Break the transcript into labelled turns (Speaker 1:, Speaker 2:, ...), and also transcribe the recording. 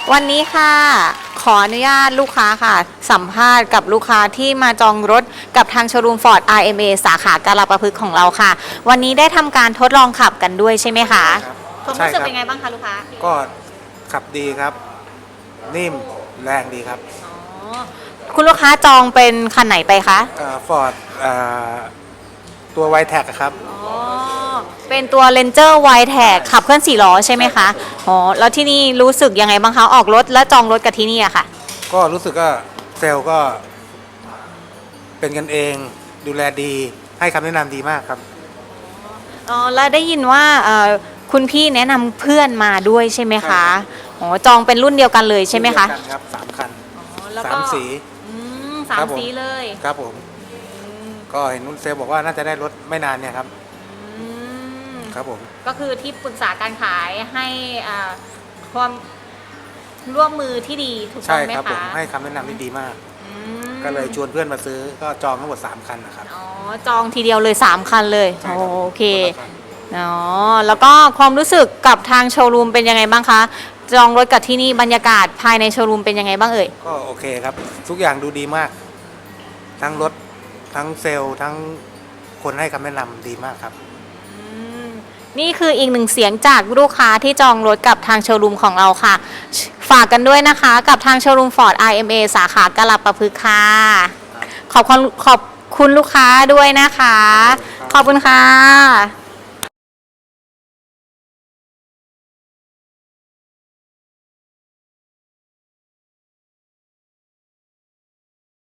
Speaker 1: วันนี้ค่ะขออนุญาตลูกค้าค่ะสัมภาษณ์กับลูกค้าที่มาจองรถกับทางโชว์รูม Ford RMA สาขากาฬปะพฤกษ์ของเราค่ะ วันนี้ได้ทำการทดลองขับกันด้วยใช่ไหมคะความรู้สึกเป็นไงบ้างคะลูกค้า
Speaker 2: ก็ขับดีครับนิ่มแรงดีครับ
Speaker 1: คุณลูกค้าจองเป็นคันไหนไปคะ
Speaker 2: ฟอร์ดตัวไวแท็กครับ
Speaker 1: เป็นตัว Ranger Wide-Tech ขับเคลื่อน4 ล้อใช่ไหมคะอ๋อแล้วที่นี่รู้สึกยังไงบ้างคะออกรถและจองรถกับที่นี่อะค่ะ
Speaker 2: ก็รู้สึกว่าเซลล์ก็เป็นกันเองดูแลดีให้คำแนะนำดีมากครับ
Speaker 1: อ๋อแล้วได้ยินว่าคุณพี่แนะนำเพื่อนมาด้วยใช่ไหมคะอ๋อจองเป็นรุ่นเดียวกันเลยใช่ไหมคะ
Speaker 2: ครับ3 คัน
Speaker 1: 3 สี3 สีเลย
Speaker 2: ครับผมก็เห็นนุ่นเซลบอกว่าน่าจะได้รถไม่นานเนี่ยครับครับผม
Speaker 1: ก็คือที่ปรึกษาการขายให้ความร่วมมือที่ดีถูกต้องไหมคะใช่ครับ
Speaker 2: ผมให้คำแนะนำที่ดีมากก็เลยชวนเพื่อนมาซื้อก็จองทั้งหมด3 คันนะครับ
Speaker 1: อ๋อจองทีเดียวเลย3 คันเลยโอเคอ๋อแล้วก็ความรู้สึกกับทางโชว์รูมเป็นยังไงบ้างคะจองรถกับที่นี่บรรยากาศภายในโชว์รูมเป็นยังไงบ้างเอ่ย
Speaker 2: ก็โอเคครับทุกอย่างดูดีมากทั้งรถทั้งเซลล์ทั้งคนให้คำแนะนำดีมากครับ
Speaker 1: นี่คืออีกหนึ่งเสียงจากลูกค้าที่จองรถกับทางโชว์รูมของเราค่ะฝากกันด้วยนะคะกับทางโชว์รูม Ford RMA สาขากาฬปะพฤกษ์ค่ะขอบคุณลูกค้าด้วยนะคะขอบคุณค่ะ